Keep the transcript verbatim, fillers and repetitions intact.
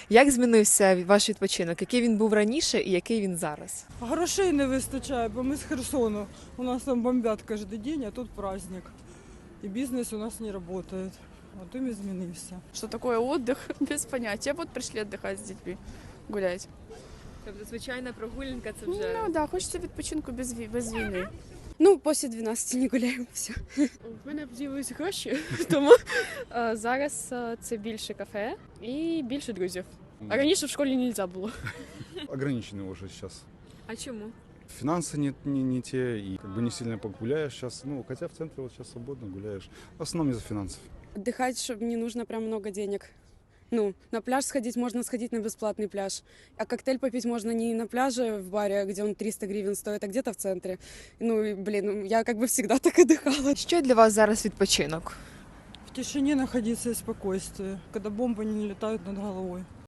Як змінився ваш відпочинок? Який він був раніше і який він зараз? Грошей не вистачає, бо ми з Херсону. У нас там бомбят кожен день, а тут праздник. І бізнес у нас не працює. От і змінився. Что такое отдых, без понятия. Вот пришли отдыхать с детьми, гулять. Тобто, звичайна прогулянка це Ну да, хочеться відпочинку без, ві- без війни. Ну, після дванадцяти не гуляємо, все. В мене з'явилися гроші, тому е, зараз е, це більше кафе і більше друзів. А раніше в школі не можна було. Ограничены уже сейчас. А чому? Финансы не, не, не те, и как бы не сильно погуляешь сейчас. Ну, хотя в центре вот сейчас свободно гуляешь. В основном из-за финансов. Отдыхать, чтобы не нужно прям много денег. Ну, на пляж сходить можно сходить на бесплатный пляж. А коктейль попить можно не на пляже в баре, где он триста гривен стоит, а где-то в центре. Ну, и, блин, я как бы всегда так отдыхала. Що для вас зараз відпочинок? В тишині знаходитися і спокійстві, коли бомби не літають над головою.